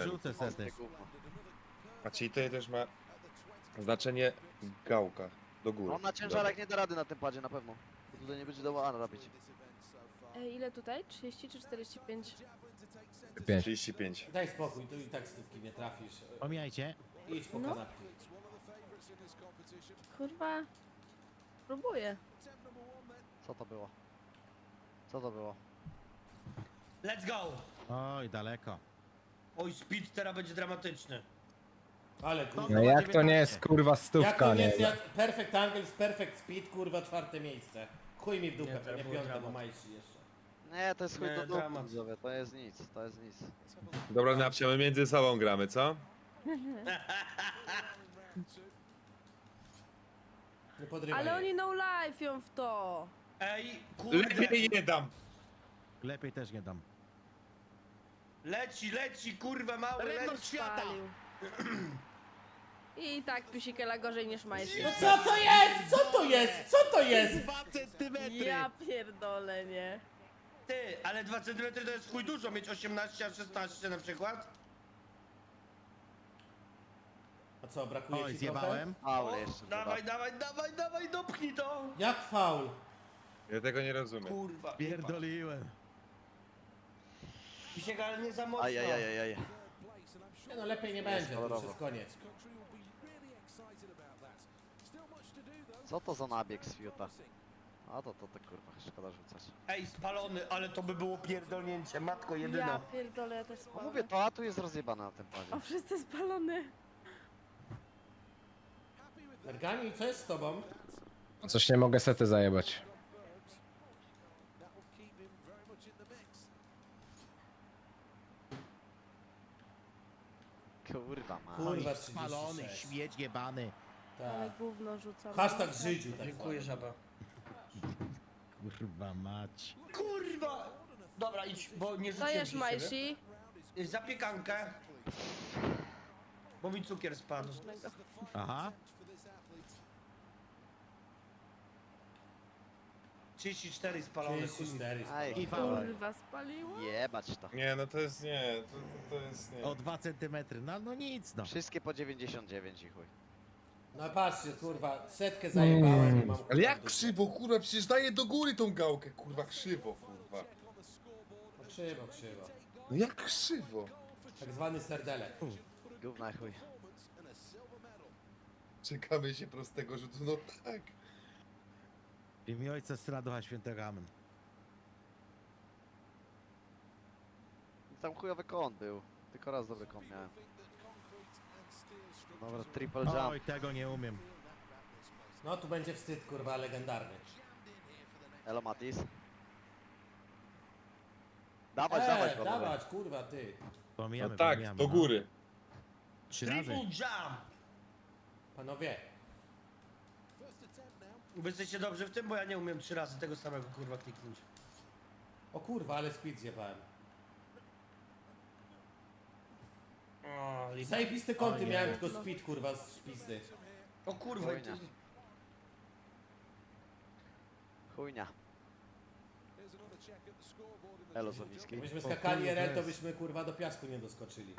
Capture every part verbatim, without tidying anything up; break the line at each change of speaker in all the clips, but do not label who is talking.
strzelił.
Rzucę sety.
A czyli to też ma znaczenie gałka do góry.
On na ciężarek nie da rady na tym padzie na pewno. Bo tutaj nie będzie dało robić.
E, ile tutaj? trzydzieści czy czterdzieści pięć?
Dobra. trzydzieści pięć.
Daj spokój, tu i tak stówki nie trafisz.
Pomijajcie.
Idź po
No.
kanapki.
Kurwa. Próbuję.
Co to było? Co to było?
Let's go!
Oj, daleko.
Oj, speed teraz będzie dramatyczny.
Ale kurwa.
No jak to nie jest kurwa
Jak
stówka,
to nie
nie?
jest jak perfect angles, perfect speed, kurwa czwarte miejsce. Chuj mi w dupę,
Nie, to
pewnie
było
piąte
dramat.
bo majsi jeszcze.
Nie, to jest chuj
Nie,
do dupy,
dramat.
widzowie, to jest nic, to jest nic.
Dobra, Napcia, my między sobą gramy, co?
Nie podrywaj.
Ale
jej.
oni no life ją w to.
Ej, kurde!
Lepiej nie dam.
Lepiej też nie dam.
Leci, leci, kurwa mały,
Rekord
leci!
świata!
Spalił. I tak Pisikela gorzej niż Majsi.
No co to jest? Co to jest? Co to jest?
Dwa centymetry!
Ja pierdolę, nie.
Ty, ale dwa centymetry to jest chuj dużo, mieć osiemnaście, a szesnaście na przykład.
A co, brakuje
Oj,
ci
zjebałem.
Ale jeszcze.
Dawaj, dawaj, dawaj, dawaj, dopchnij to!
trochę? Jak faul?
Ja tego nie rozumiem.
Kurwa.
Pierdoliłem.
Pisiek, ale nie za mocno.
Ajajajajaj.
Nie no, lepiej nie będzie, to już
kolorowo.
jest koniec.
Co to za nabieg z Fiuta? A to, to, to kurwa, szkoda rzucać.
Ej, spalony, ale to by było pierdolnięcie, matko
Ja
jedyna.
pierdolę, ja też
No
spalę.
mówię, to a tu jest rozjebane na tym padzie.
O, wszyscy spalony.
Mergani, co jest z tobą?
Coś nie mogę sety zajebać.
Kurwa ma.
Kurwa,
Spalony,
trzydzieści sześć.
śmieć jebany.
Ale
Tak.
gówno rzucam.
Hashtag Żydziu, tak
Dziękuję,
zwany.
żaba.
Kurwa mać.
Kurwa! Dobra, idź, bo nie
Co
rzuciłem
jesz,
ci
Majsi?
siebie. Zapiekankę. Bo mi cukier spadł.
Aha.
trzydzieści cztery spalone,
trzydzieści
chuj.
cztery.
Aj,
I faul.
Kurwa, spaliło?
jebać to.
Nie, no to jest nie, to, to, to jest nie.
O dwa centymetry. No, no nic no.
Wszystkie po dziewięćdziesiąt dziewięć i chuj.
No patrzcie, kurwa, setkę zajebałem i mam kurwa,
Ale jak
dupę.
krzywo, kurwa, przecież daję do góry tą gałkę, kurwa, krzywo, kurwa.
No krzywo, krzywo.
No jak krzywo?
Tak zwany serdelek.
Gówna i chuj.
Czekamy się prostego rzutu, no tak.
W imię Ojca, Syna, Ducha Świętego, amen.
Tam chujowy kąt był. Tylko raz dobry kąt miałem. Dobra, triple jump.
Oj, tego nie umiem.
No tu będzie wstyd, kurwa, legendarny.
Elo Matis. Dawać, dawać,
Eee,
panowie.
dawać, kurwa, ty.
Pomijamy,
No tak,
pomijamy,
do
no.
góry.
Trzy
Triple
razy.
jump!
Panowie,
Wy jesteście dobrzy w tym, bo ja nie umiem trzy razy tego samego kurwa kliknąć.
o kurwa, ale speed zjebałem.
O, lipa.
Zajebiste kąty
O nie.
miałem, tylko speed, kurwa, z pizdy.
O kurwa, i ty...
Chujnia. Chujnia. Elo Zowiski.
Gdybyśmy
O
skakali
kurwa,
R L, to
jest.
byśmy, kurwa, do piasku nie doskoczyli.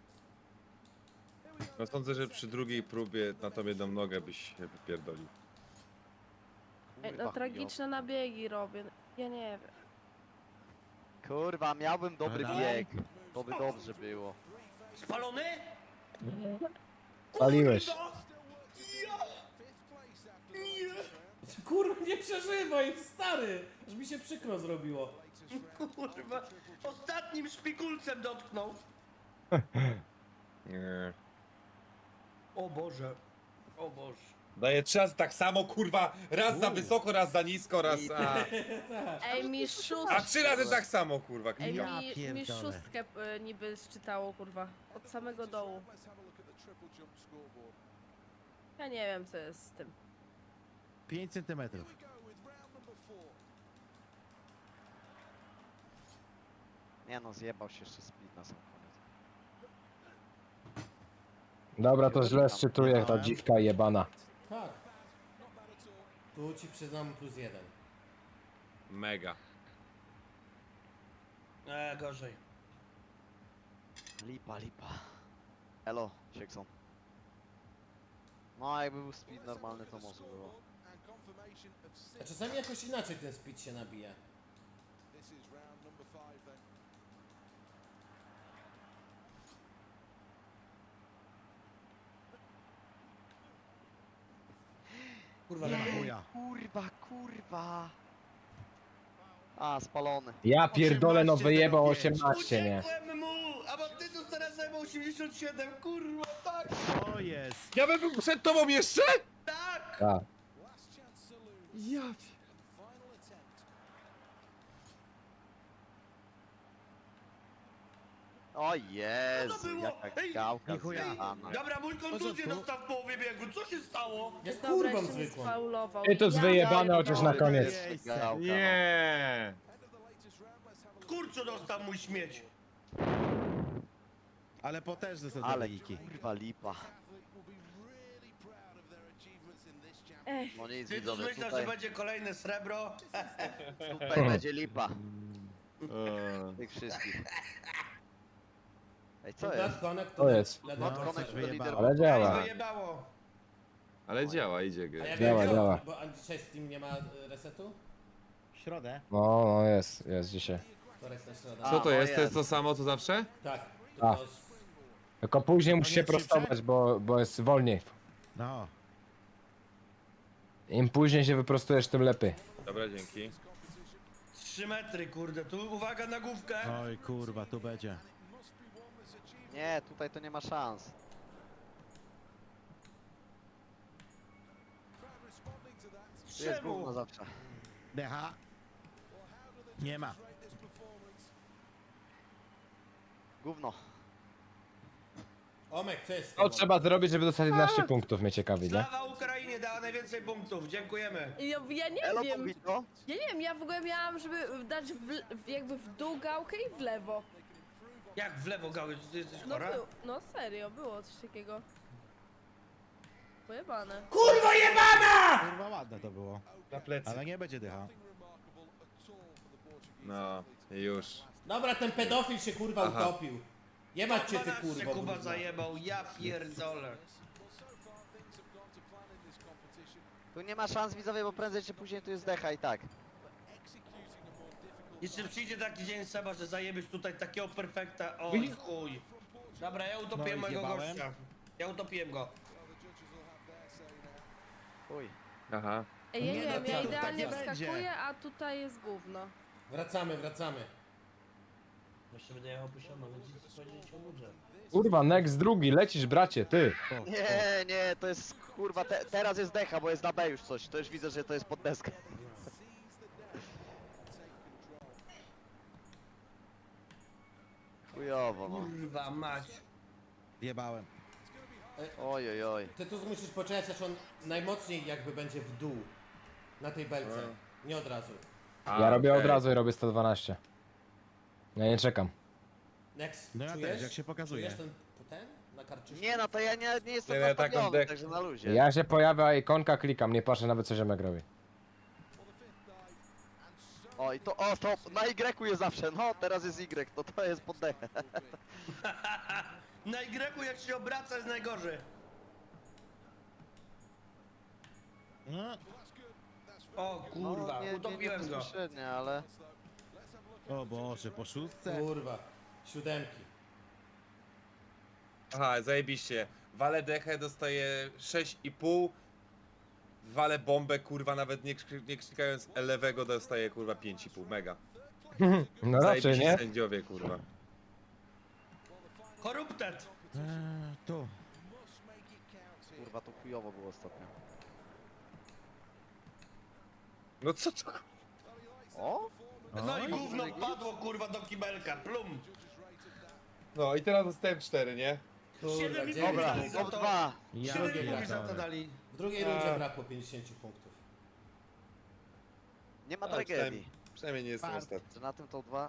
No sądzę, że przy drugiej próbie na tą jedną nogę byś się wypierdolił.
Ej,
Kurwa,
no tragiczne nabiegi robię. Ja nie wiem.
Kurwa, miałbym dobry
No
bieg. To by dobrze było.
Spalony?
Paliłeś.
Kurwa, nie przeżywaj, stary! Aż mi się przykro zrobiło.
Kurwa, ostatnim szpikulcem dotknął.
Nie.
O Boże, o Boże.
Daję trzy razy tak samo, kurwa, raz za wysoko, raz za nisko, raz a...
Ej, mi
A
szóstkę.
trzy razy tak samo, kurwa.
Ej,
Ja
mi, mi
pierdolę.
szóstkę y, niby zczytało, kurwa. Od samego dołu. Ja nie wiem, co jest z tym.
pięć centymetrów.
Nie no, zjebał się jeszcze speed na sam koniec.
Dobra, to źle szczytuję, ta dziwka jebana.
Tak. Tu ci przyznam plus jeden.
Mega.
E, gorzej.
Lipa, lipa. Elo, Siekson. No, jakby był speed normalny, to może było.
A czasami jakoś inaczej ten speed się nabija.
Kurwa,
Nie ma
lepiej.
chuja.
Kurwa, kurwa. A, spalony.
Ja pierdolę, no
osiemnaście
wyjebał
zero pięć.
osiemnaście, nie?
Uciekłem mu! A bo ty tu teraz zajmą osiemdziesiąt siedem, kurwa, tak!
To jest.
Ja bym był przed tobą jeszcze?
Tak!
Tak.
Ja
O Jezu,
było?
jaka
Ej,
gałka
ni chuja.
zjebana.
Dobra, mój kontuzję
porządku.
dostał w połowie biegu, co się stało?
Jest
Dobra,
kurwą
jeszcze mnie
zwykłą.
sfaulował.
I to z
Ja
wyjebane
pierdolę.
chociaż na koniec.
Miejsce. Gałka, no.
Nie.
Kurczę dostał mój śmieć.
Ale potężne są te
Ale
wyniki.
kurwa lipa.
Ech,
No nic
Ty to
widzowie,
myślał, że
tutaj,
będzie kolejne srebro?
tutaj będzie lipa.
Eee.
Tych wszystkich. Ej, co
Not
jest?
connect
To jest.
let
Not
it
connect to
observe.
leader.
Ale działa.
Wyjebało.
Ale działa, idzie
A
gry.
jak
Działa,
będzie-
działa.
Bo a dzisiaj Steam nie ma y, resetu?
W środę.
No, no jest, jest dzisiaj.
Wtorek na środę.
A,
Co to
no
jest? To
jest.
jest to samo co zawsze?
Tak.
A.
Tylko z-
Tylko później musi
nie
się
szybsze?
prostować, bo, bo jest wolniej.
No.
Im później się wyprostujesz, tym lepiej.
Dobra, dzięki.
Trzy metry, kurde, tu uwaga na główkę.
Oj kurwa, tu będzie.
Nie, tutaj to nie ma szans. Tu jest
Czemu?
gówno zawsze.
Decha. Nie ma.
Gówno.
Omek, co jest z
Co
tobą?
trzeba zrobić, żeby dostać jedenaście punktów, mnie ciekawi, nie?
Slawa Ukrainie dała najwięcej punktów, dziękujemy.
Ja, ja nie
Elo,
wiem.
Bombito.
Ja nie wiem, ja w ogóle miałam, żeby dać w, w, jakby w dół gałkę i w lewo.
Jak w lewo gały, ty jesteś
No,
chora?
był, no serio, było coś takiego. Pojebane.
Kurwa jebana!
Kurwa ładne to było.
Na plecy.
Ale nie będzie dycha.
No, już.
Dobra, ten pedofil się kurwa
Aha.
utopił. Jebać cię ty
dwanaście
kurwa.
Kuba
brudna.
zajebał, ja pierdolę.
Tu nie ma szans widzowie, bo prędzej czy później tu jest decha i tak.
Jeszcze przyjdzie taki dzień Seba, że zajebiesz tutaj takiego perfekta, o chuj. Dobra, ja utopiłem
No i
mojego
zjebałem.
gościa. Ja utopiłem go.
Uj.
Aha.
Ej, ja
Nie
nie
no,
wiem,
co
ja
tu
idealnie
tak będzie?
wskakuję, a tutaj jest gówno.
Wracamy, wracamy.
Jeszcze będę jechał posiadną, więc nic powiedzieć o ludzie.
Kurwa, next drugi, lecisz bracie, ty.
O,
Nie, nie, to jest kurwa, te, teraz jest decha, bo jest na B już coś. To już widzę, że to jest pod deskę. Chujowo, no.
Kurwa mać.
Wjebałem.
Oj, oj, oj.
Ty tu musisz poczekać, aż on najmocniej jakby będzie w dół. Na tej belce. Nie od razu.
A,
Ja robię od
okej.
razu i robię sto dwanaście. Ja nie czekam.
Next,
No ja
czujesz?
też, jak się pokazuje.
Czujesz ten, ten? Na karczyszku?
Nie no, to ja nie, nie jestem
Nie, ja taką
nastawiony,
dek-
także na luzie.
Ja się pojawia ikonka, klikam, nie patrzę nawet co ziomek robi.
O, i to, o, to na Y jest zawsze, no, teraz jest Y, to to jest pod dechę.
Na Y jak się obraca jest najgorzej.
No.
O kurwa,
no, nie, nie,
utopiłem
nie
go.
bezpośrednio, ale...
O Boże, po szóstce.
Kurwa. Siódemki.
Aha, zajebiście. Walę dechę, dostaje sześć i pół. Walę bombę, kurwa, nawet nie, krzy- nie krzykając lewego, dostaje kurwa pięć i pół. Mega.
No raczej,
Zajebiści
nie?
sędziowie, kurwa.
Koruptet.
Eee, tu.
Kurwa, to chujowo było ostatnio.
No co to?
O?
No i
Oj.
gówno padło kurwa do kibelka, plum.
No i teraz dostałem cztery, nie?
Kurwa,
Siedem i
dziewięć.
pół
Dobra,
dali za
top
to.
dwa.
Ja
Siedem i pół
pierdolę.
za to dali.
W drugiej
A.
rundzie brakło pięćdziesiąt punktów.
Nie ma
A,
tragedii.
przynajmniej, przynajmniej nie jestem
Fart.
ostatni.
Że na tym top dwa.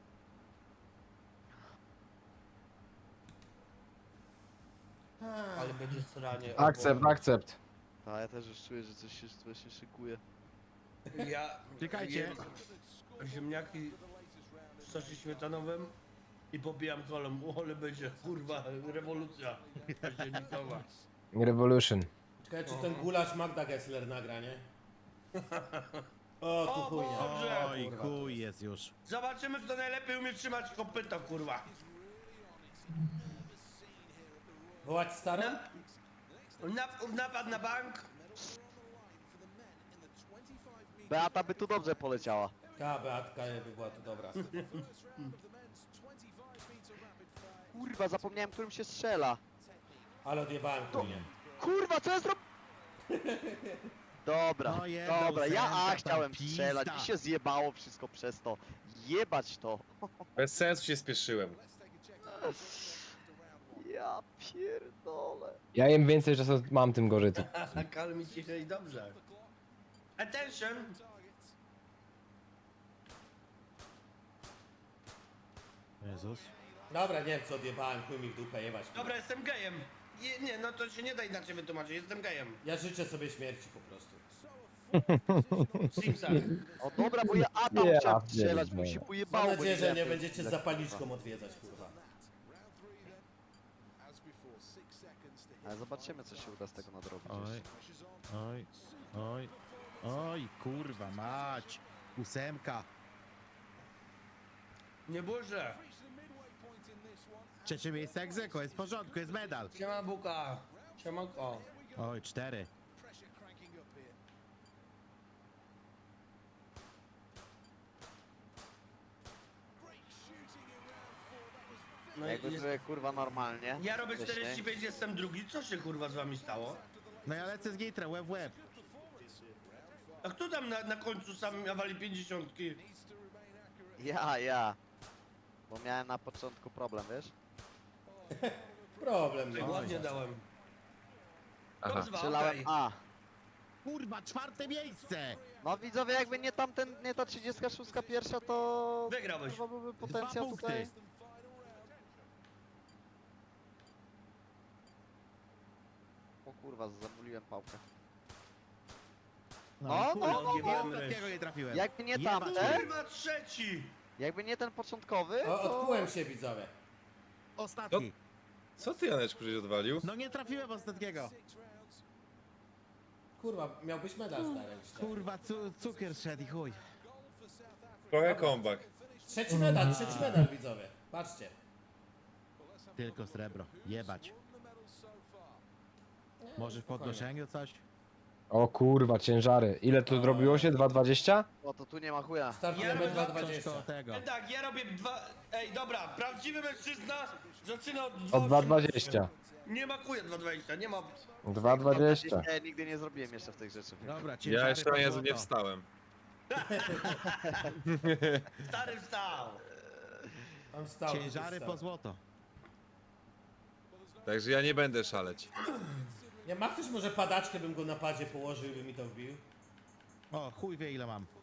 Ale będzie sranie.
Akcept, akcept.
A ja też już czuję, że coś się, coś się szykuje.
Ja...
Czekajcie.
jem Ziemniaki w sosie śmietanowym. I popijam kolą, o, ale będzie, kurwa, rewolucja październikowa.
Revolution.
Czekaj, czy ten gulasz Magda Gessler nagra, nie? O, tu
O,
chujnia.
Boże!
Oj,
kurwa.
chuj jest już.
Zobaczymy, kto najlepiej umie trzymać kopyto, kurwa.
Wołać starą?
Na, napad na bank.
Beata by tu dobrze poleciała.
Ta Beatka by była tu dobra.
Kurwa, zapomniałem, którym się strzela.
Ale odjebałem chujnię.
Kurwa, co ja zrobię? Dobra,
No jedna
dobra, ja
ósemka
A
tam
chciałem
pizda.
strzelać, mi się zjebało wszystko przez to. Jebać to.
Bez sensu się spieszyłem.
Ja pierdolę.
Ja im więcej czasu mam, tym gorzej to.
Kalmi cicho i dobrze. Attention.
Jezus.
Dobra, nie wiem co odjebałem, chuj mi w dupę jebać.
Dobra, jestem gejem. Je, nie, no to się nie da inaczej wytłumaczyć, jestem gejem.
Ja życzę sobie śmierci po prostu.
W Simsach.
O dobra, bo ja A tam
Ja
chciałem strzelać, bo mi
pierdolę.
się
Mam
pojebało. bo
nadzieję, że
wiedziałem,
nie
że-
będziecie z zapalniczką odwiedzać, kurwa.
Ale zobaczymy, co się uda z tego nadrobić.
Oj,
jeszcze.
oj, oj, oj, kurwa mać. Ósemka.
Nie burzę.
Trzecie miejsce egzeko, jest w porządku, jest medal.
Siema Buka. Siemanko.
Oj, cztery.
No
Jakby
jest...
sobie kurwa normalnie.
Ja robię
wcześniej.
czterdzieści pięć, jestem drugi. Co się kurwa z wami stało?
No ja lecę z gitrem, łeb w łeb.
A kto tam na, na końcu sam nawali pięćdziesiątki?
Ja, ja. Bo miałem na początku problem, wiesz?
Problem,
Tak
no.
ładnie dałem.
Aha.
Dobrze,
Strzelałem
okej.
A.
Kurwa, czwarte miejsce!
No widzowie, jakby nie tamten, nie ta trzydziestka szóstka pierwsza, to...
Wygrałeś.
Chyba byłby
Dwa
potencjał
punkty.
tutaj. O kurwa, zamuliłem pałkę.
No,
No,
i kurwa,
no, no,
i
no.
ostatniego nie trafiłem.
Jakby nie
Jebać
tamten,
Kurwa trzeci!
jakby nie ten początkowy,
O,
to...
odkułem się, widzowie.
Ostatni.
Co ty, Janeczku, żeś odwalił?
No nie trafiłem ostatniego.
Kurwa, miałbyś medal stary. już tak.
Kurwa, cu cukier szedł i chuj.
Trochę comeback.
Trzeci medal, trzeci medal, widzowie. Patrzcie.
Tylko srebro. Jebać. Może w
spokojnie.
podnoszeniu coś?
O kurwa, ciężary. Ile to zrobiło się? dwa dwadzieścia?
O, to tu nie ma chuja.
Startujemy
Ja
dwa
robię
Coś
dwadzieścia.
koło tego.
E, tak, ja robię dwa... Ej, dobra, prawdziwy mężczyzna zaczyna od
O dwa dwadzieścia.
osiemnaście. Nie ma kuja dwa dwadzieścia, nie ma...
dwa dwadzieścia.
Ja nigdy nie zrobiłem jeszcze w tych rzeczy.
Dobra,
Ja
ciężary
jeszcze
po
na Jezu nie
złoto.
wstałem.
Stary wstał.
Mam stał.
Ciężary po złoto.
Także ja nie będę szaleć.
Nie ma ktoś może padaczkę, bym go na padzie położył i by mi to wbił?
O, chuj wie ile mam.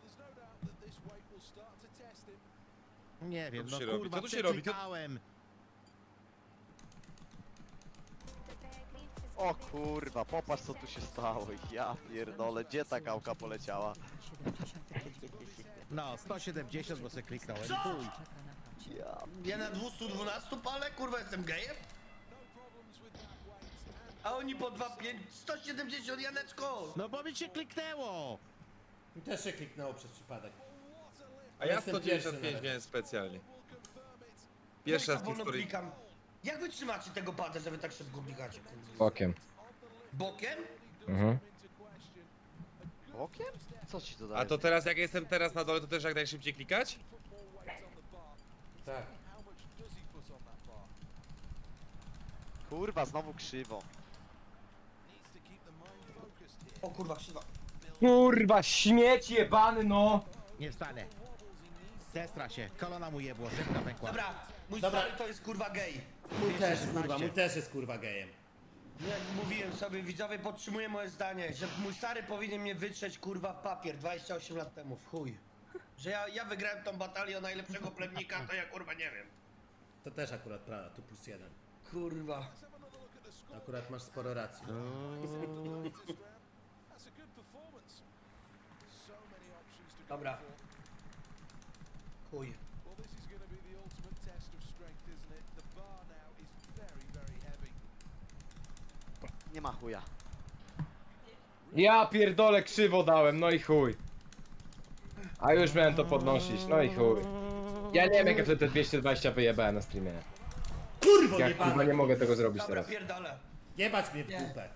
Nie wiem,
tu
no
się robi?
kurwa,
Co tu się robi? To-
przeklikałem.
O kurwa, popatrz co tu się stało. Ja pierdolę, gdzie ta kałka poleciała?
No, sto siedemdziesiąt, bo sobie kliknąłem.
Co?
Chuj.
Ja...
Ja na dwieście dwanaście palę, kurwa, jestem gejem? A oni po dwa pięć, sto siedemdziesiąt, Janeczko!
No bo mi się kliknęło!
Mi też się kliknęło przez przypadek.
A ja
Jestem
sto dziewięćdziesiąt pięć
pierwszy
miałem specjalnie. Pierwszy raz w
Jak za wolno
historii.
klikam? Jak wy trzymacie tego pada, że wy tak szybko klikacie, kurwa?
Bokiem.
Bokiem?
Mhm.
Okiem? Co ci to daje?
A to teraz, jak jestem teraz na dole, to też jak najszybciej klikać?
Tak.
Kurwa, znowu krzywo.
O kurwa, krzywa.
Kurwa, śmieć jebany, no!
Nie wstanę. Zestra się, kolona mu jebło, szybka pękła.
Dobra, mój
Dobra.
stary to jest kurwa gej.
Mój też, kurwa, mój też jest kurwa gejem.
Jak mówiłem sobie, widzowie, podtrzymuję moje zdanie, że mój stary powinien mnie wytrzeć kurwa w papier dwadzieścia osiem lat temu, w chuj. Że ja, ja wygrałem tą batalię o najlepszego plemnika, to ja kurwa nie wiem.
To też akurat prawda, tu plus jeden.
Kurwa.
Akurat masz sporo racji.
Dobra. Chuj.
Nie ma chuja.
Ja pierdolę krzywo dałem, no i chuj. A już miałem to podnosić, no i chuj. Ja nie wiem jak ja wtedy te dwieście dwadzieścia wyjebałem na streamie.
Kurwo
Jak kurwa
jebana!
nie mogę tego zrobić
Dobra,
teraz.
pierdolę.
Jebać mnie w
Nie.
dupę.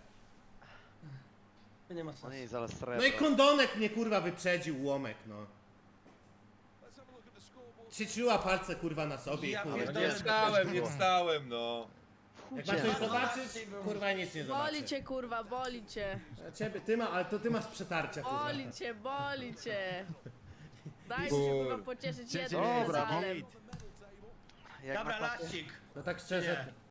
To nie ma
No
sensu.
nie, zaraz srebro.
No i kondonek mnie kurwa wyprzedził, łomek no. Trzyczyła palce kurwa na sobie i
Ja
chuj.
No
pierdolę.
nie wstałem, nie wstałem, no.
Jak ma coś zobaczyć, kurwa nic nie zobaczy.
Boli cię, kurwa, boli cię.
A Ciebie, ty ma, ale to ty masz przetarcia kurwa.
Boli cię, boli cię. Daj się,
Kur-
kurwa, pocieszyć
Cię-
jednym
Dobra,
medalem.
Git.
Jak
Dobra,
na klapie-
laścik.
No tak szczerze,